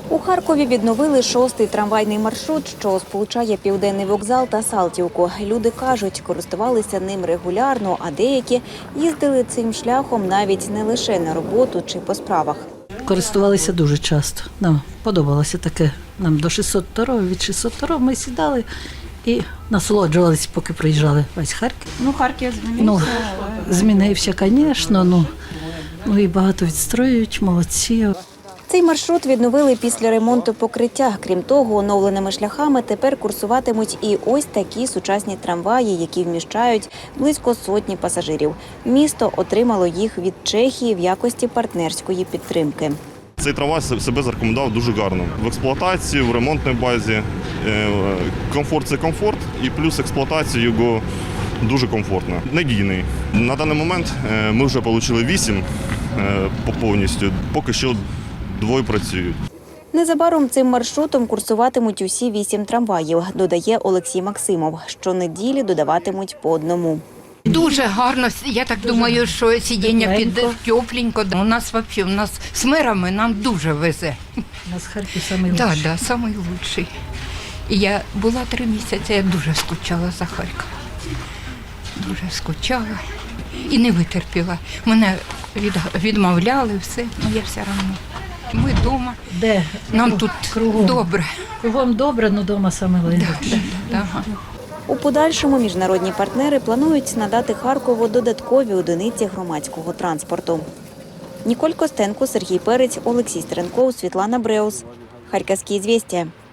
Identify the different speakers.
Speaker 1: У Харкові відновили 6-й трамвайний маршрут, що сполучає Південний вокзал та Салтівку. Люди кажуть, користувалися ним регулярно, а деякі їздили цим шляхом навіть не лише на роботу чи по справах.
Speaker 2: Користувалися дуже часто. Нам подобалося таке. Нам до 602-го, від 602-го ми сідали і насолоджувалися, поки проїжджали весь Харків.
Speaker 3: Харків змінився.
Speaker 2: Змінився, звісно, і багато відстроюють, молодці.
Speaker 1: Цей маршрут відновили після ремонту покриття. Крім того, оновленими шляхами тепер курсуватимуть і ось такі сучасні трамваї, які вміщають близько сотні пасажирів. Місто отримало їх від Чехії в якості партнерської підтримки.
Speaker 4: Цей трамвай себе зарекомендував дуже гарно. В експлуатації, в ремонтній базі. Комфорт – це комфорт, і плюс експлуатація його дуже комфортна. Надійний. На даний момент ми вже отримали 8 повністю, поки що 2 працюють.
Speaker 1: Незабаром цим маршрутом курсуватимуть усі 8 трамваїв, додає Олексій Максимов. Щонеділі додаватимуть по одному.
Speaker 5: Дуже гарно, я так думаю, що сидіння під тепленько. У нас з мирами нам дуже везе.
Speaker 2: У нас Харків найкращий.
Speaker 5: Так, найкращий. І я була 3 місяці, я дуже скучала за Харків. Дуже скучала і не витерпіла. Мене відмовляли, все, але я все одно. Ми вдома, нам тут
Speaker 2: кругом
Speaker 5: добре.
Speaker 2: Кругом добре, але вдома найкраще.
Speaker 1: У подальшому міжнародні партнери планують надати Харкову додаткові одиниці громадського транспорту. Ніколь Костенко, Сергій Перець, Олексій Стеренков, Світлана Бреус. Харківські «Ізвєстія».